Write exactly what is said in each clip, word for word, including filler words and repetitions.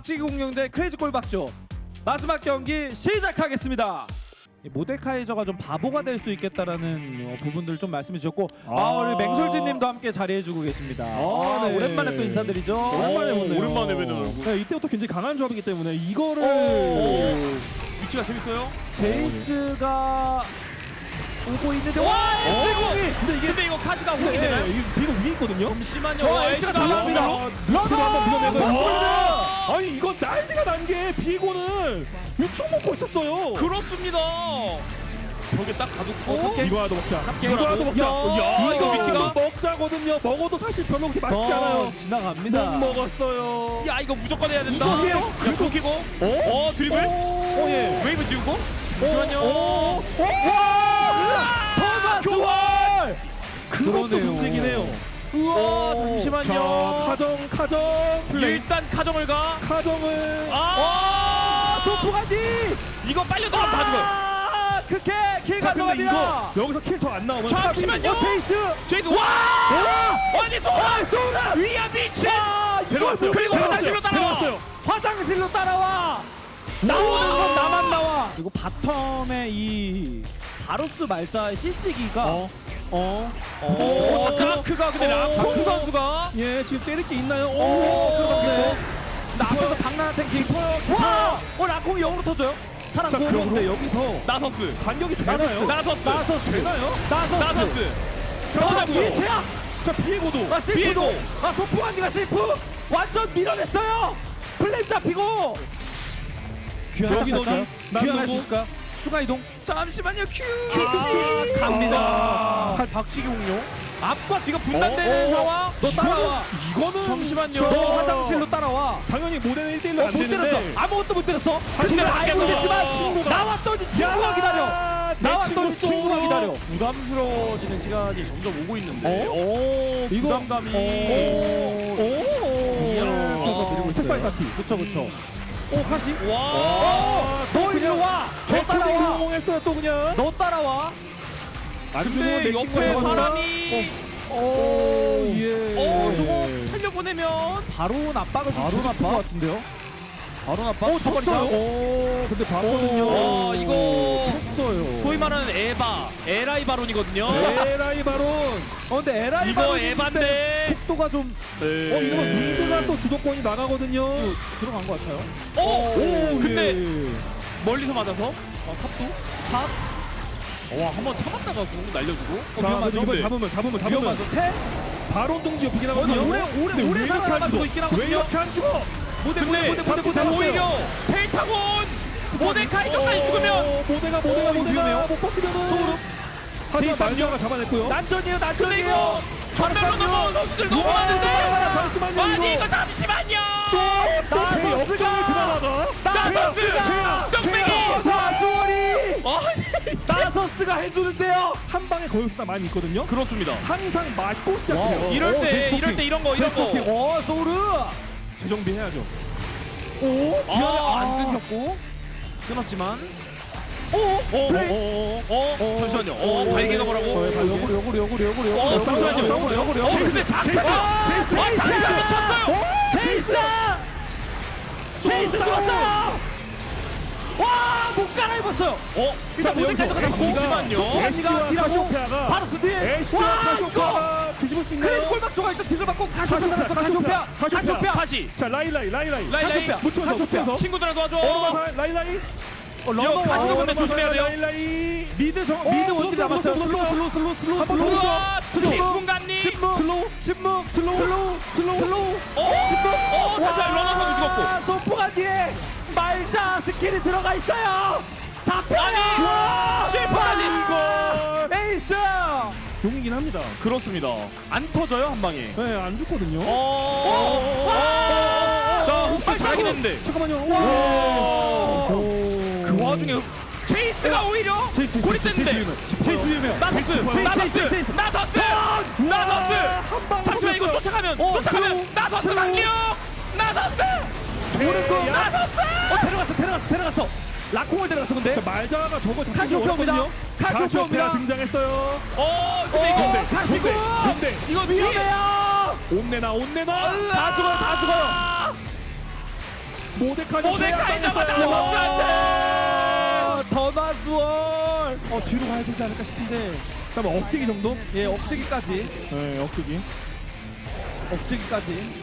박치기 공룡 대 크레이지 꼴박조 마지막 경기 시작하겠습니다. 이 모데카이저가 좀 바보가 될 수 있겠다라는 어, 부분들 좀 말씀해 주셨고 아, 아 우리 맹솔진님도 함께 자리해주고 계십니다. 아, 네. 오랜만에 또 인사드리죠. 오랜만에 보네요. 오랜만에 뵈는 얼굴. 네, 이때부터 굉장히 강한 조합이기 때문에 이거를 오. 위치가 재밌어요? 제이스가 오고 있는데 와 에스공이 근데 이게 근데 이거 카시가 호응이 네, 되나요? 이거 비고 위에 있거든요. 잠시만요. 와, 와, 에이스가 에이스가 달라붙니다. 러너 한번 밀어내고. 와! 아니 이건 난리가 난 게 비고는 육축 먹고 있었어요. 그렇습니다. 벽에 딱 가두고 어, 오케이. 이거라도 먹자. 이거라도. 이거라도 먹자. 야, 이거 위치가 먹자거든요. 먹어도 사실 별로 그렇게 맛있지 않아요. 지나갑니다. 못 먹었어요. 야 이거 무조건 해야 된다. 이거 해요? 야 긁히고 어? 어 드리블? 어, 예. 웨이브 지우고? 잠시만요. 오, 오, 더가 주월 그것도 그러네요. 문제기네요. 우와 잠시만요. 자, 카정, 카정, 플레이. 일단 카정을 가. 카정을. 아 소프가디 이거 빨려 나가면 다 죽어요. 아 크게 킬 자, 근데 가져갑니다. 이거 여기서 킬 더 안 나오면 잠시만요. 어, 제이스 제이스 와! 아니 소라! 소라 위야 미친! 와 이거 데려왔어요. 그리고 데려왔어요. 화장실로 따라와. 데려왔어요. 화장실로 따라와 나오는 건 나만 나와. 그리고 바텀의 이 바로스 말자의 씨씨기가 어, 어. 오, 자크가 근데 어, 라쿠 어. 선수가 예, 지금 때릴 게 있나요? 오, 오, 그런데 나 앞에서 박나한 탱킹 깊어요, 깊어요. 와! 어 라콩이 영으로 터져요? 자, 살았고 그런데 여기서 나서스 반격이 나서스 되나요? 나서스 나서스 되나요? 나서스 나서스 자, 아 나고요. 뒤에 제야 자, 비에고도. 아 실프도 비에고. 아 소프한디가 실프 완전 밀어냈어요. 플레임 잡히고 귀환할 여기 수 있을까요? 너니? 귀환할 수 남동구? 있을까요? 수가 이동 잠시만요 큐 아, 갑니다. 아, 박치기 공룡 앞과 뒤가 분단되는 어, 어. 상황. 너 따라와 이거는 잠시만요. 저- 너 화장실로 따라와 당연히 모델은 일 대일로 어, 안 못 때렸어 되는데. 아무것도 못 때렸어 하지만 근데 알고 친구가- 있지만 친구가- 나왔더니 친구가 기다려 내 나왔더니 친구 친구가 쏘고. 기다려 부담스러워지는 시간이 점점 오고 있는데 어? 오 이거- 부담감이 오. 이야. 그래서 밀고 있어요. 스텝바이 사키. 그쵸 그쵸 오 카시 와 아, 너 또 이리 그냥 와! 너 개초딩 따라와! 성공했어요 또 그냥. 너 따라와 안 주면 근데 내 친구가 옆에 잡아준다. 사람이 오, 예. 어 저거 살려보내면 바로 압박을 좀 바로 주고 싶은 압박? 것 같은데요 바로 나빠 오 졌어요 오, 근데 봤거든요. 와, 이거 쳤어요. 소위 말하는 에바 에라이 바론이거든요 에라이 바론. 어 근데 에라이 이거 에반데 속도가 좀 어, 이러면 미드가 또 주도권이 나가거든요. 들어간 것 같아요 어? 오, 근데 예. 멀리서 맞아서 어, 탑도? 탑? 와 한번 참았다가 궁 날려주고 자, 위험하죠? 이거 근데 잡으면 잡으면 잡으면 위험하죠 태? 바론 동지 옆이긴 어, 하거든요. 오래- 오래- 근데 오래 왜 이렇게 안 살아남아주고 죽어? 있긴 하거든요. 왜 이렇게 안 죽어? 모델 근데 모델 모델 잡고 모델 잡았어요. 오히려 펠타곤 모데카이저까지 죽으면 어, 모대가 오, 모대가 이거 모대가 위험해요. 못 버티면은 소름. 하지만 제이슨 말자가 잡아냈고요. 난전이에요 근데 난전이에요 이거 전멸로 넘어온 선수들 너무 우와, 많은데 잠시만요, 아니 이거. 이거 잠시만요 또또제 나서스가- 역정이 드러나다. 나서스가 뚝배기 나수월이 아니 나서스가 해주는데요 한 방에 거역수가 많이 있거든요. 그렇습니다 항상 맞고 시작해요. 와우. 이럴 오, 때 제스포킹. 이럴 때 이런 거 이런 거 제스포킹 오 소르 재정비 해야죠. 오 아, 기아를 안 안 끊겼고 끊었지만 오 어? 플레이 어? 어? 어? 잠시만요 어? 발기가 뭐라고? 역으로 역으로 역으로 역으로 역으로 어, 잠시만요. 역으로 역으로 어, 근데 자크가 제이스 아, 자크가 미쳤어요 제이스 제이스 죽었어요 와못 갈아입었어요 어? 일단 자, 모델까지 여기서 가고 애쉬가 애쉬와 딜하고 카시오페아가 바로스 뒤에 애쉬와 와, 카시오페아가 뒤집을 수 크레이지 있나요? 골박조가 일단 딜을 받고 카시오페아 살았어 카시오페아, 카시오페아 카시오페아 다시 자 라이라이 라이라이 라이라이 카시오페아 묻히면서 묻히면서 친구들아 도와줘 오르마사 라이라이 어, 이거 런던 카시오 와. 근데 조심해야 돼요. 라이라이 미드 정 어, 미드 블루, 원딜 남았어요 블루, 슬로우 블루, 슬로우 슬로우 슬로우 한번 슬로우 더 우와 슬로우. 침묵감님 침묵 슬로우 침묵 슬로우 슬로우 슬로우 슬로우 어? 침묵 어 잠시만 러너 선수 죽었고 소프가 뒤에 말자 스킬이 들어가 있어요 잡혀요 아니, 실패하지. 이거 에이스 용이긴 합니다. 그렇습니다 안 터져요 한 방에 네, 안 죽거든요. 어? 와! 자 흡수 잘하긴 했는데 잠깐만요. 와. 와. 그 와중에 체이스가 오히려 제이스 골이 제이스 센데 유명. 제이스 유명. 나서스 제이스 나서스 제이스, 제이스. 나서스 나서스 한방 잠시만 이거 쫓아가면 어, 쫓아가면 슬로우, 나서스 슬로우. 강력 나서스 오는 거. 나서스 어 데려갔어 데려갔어 데려갔어 라콩을 데려갔어 근데 자 말자가 저거 잡기 카시오페아입니다. 어렵거든요. 카시오페아입니다. 카시오페아 등장했어요. 어 근데 이거 어, 근데 가시고 근데 근데 이거 뒤에 위험해요 온내나 온내나. 다 죽어요 다 죽어요 모데카이저 모데카이저가 제압당했어요. 나왔어. 더나스월. 어 뒤로 가야 되지 않을까 싶은데. 잠깐 억제기 정도? 예, 억제기까지. 네, 억제기. 억제기까지.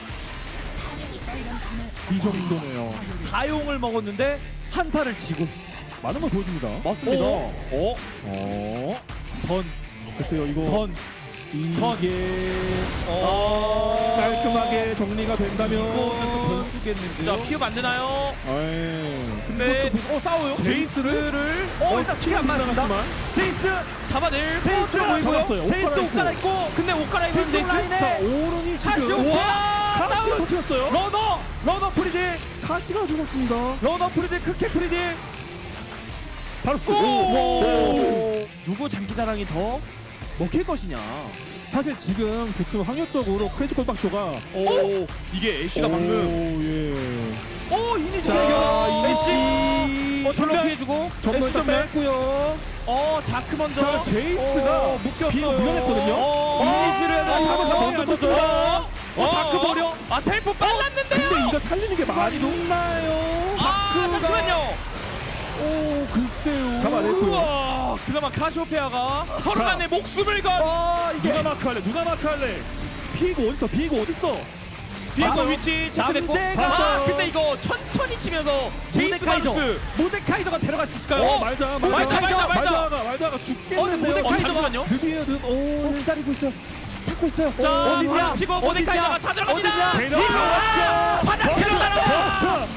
이 정도네요. 사용을 먹었는데 한타를 지고. 많은 걸 보여줍니다. 맞습니다. 어? 어, 던, 글쎄요 이거 던, 던. 이게 어. 깔끔하게 정리가 된다면. 이거는 또 변수겠는데요. 자 피흡 안 되나요? 에이, 근데 어, 싸워요. 제이스를 어, 일단 스킬 안 맞았습니다. 나갔지만. 제이스, 잡아낼 제이스 잡았어요. 보여요. 옷 제이스 옷 갈아입고. 갈아입고. 근데 옷 갈아입은 뒤쪽 제이스. 라인에. 자 오른이 지금 카시오페아 카시 다운. 터뜨렸어요. 러너, 러너 프리딜, 카시가 죽었습니다. 러너 프리딜, 크캐 프리딜. 바로 오! 오! 누구 장기자랑이 더 먹힐 것이냐? 사실 지금 그 팀 확률적으로 크레이지 골박쇼가 오, 이게 애쉬가 방금 예. 오, 이니시 자 대결. 이니시 어 전면 피해주고 전면 애쉬 전멸. 뺐고요. 어 자크 먼저. 자 제이스가 어, 묶였어요. 비고 무전했거든요. 어, 이니시를 어, 잡아서 어, 먼저 어, 떴어요. 어, 자크 버려. 아 템포 빨랐는데요. 근데 이거 살리는 게 말이 높나요? 아 잠시만요. 오 글쎄요. 잡아냈고요. 우와, 그나마 카시오페아가 서로 자. 간에 목숨을 건. 어, 이게 누가 마크할래? 누가 마크할래? 비고 어딨어? 비고 어딨어? 비고 아, 위치 체크됐고. 남재가- 아 근데 이거 천천히 치면서 제이스 모데카이저. 바루스. 모데카이저가 데려갈 수 있을까요? 어 말자 말자 말자, 말자, 말자. 말자가 말자가 어, 죽겠는데요. 근데 어 잠시만요. 드디어는 오 기다리고 있어요. 찾고 있어요. 자 어디냐? 치고 어디냐? 모데카이저가 찾아갑니다. 어디냐? 데려왔죠. 화장실로 따라와.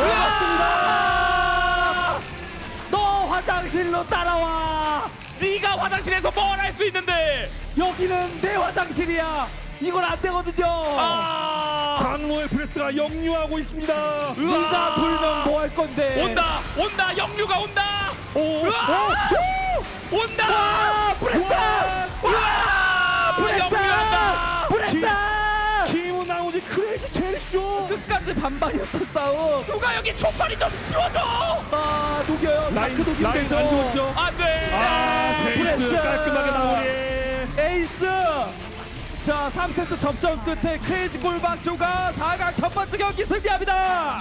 먹었습니다. 너 화장실로 따라와. 네가 화장실에서 뭘 할 수 있는데. 여기는 내 화장실이야. 이건 안 되거든요. 아 장로의 프레스가 역류하고 있습니다. 네가 돌면 뭐 할 건데? 온다 온다 영류가 온다. 오, 으아! 온다. 와, 브레사! 와 영류한다. 브레사! 김은 나머지 크레이지 캐리쇼. 끝까지 반반이었던 싸움. 누가 여기 초파리 좀 치워줘. 아, 녹여요. 라인 자크 녹이면 라인 되죠. 안 좋으시죠? 안돼. 아 제이스 프레스. 깔끔하게 마무리. 에이스. 자, 삼 세트 접전 끝에 크레이지 골박쇼가 사 강 첫 번째 경기 승리합니다.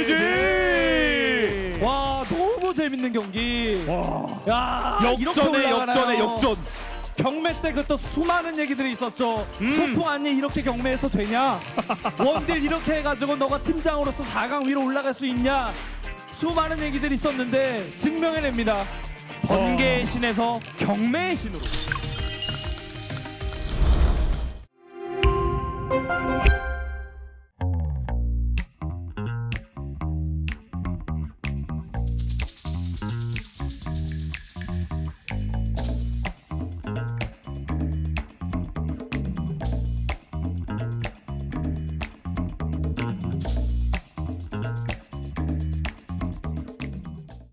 지지. 와, 너무 재밌는 경기. 와. 야, 이렇게 역전에 올라가나요? 역전에 역전. 경매 때 그 또 수많은 얘기들이 있었죠. 음. 소풍 아니 이렇게 경매해서 되냐? 원딜 이렇게 해가지고 너가 팀장으로서 사 강 위로 올라갈 수 있냐? 수많은 얘기들이 있었는데 증명해냅니다. 번개의 신에서 경매의 신으로.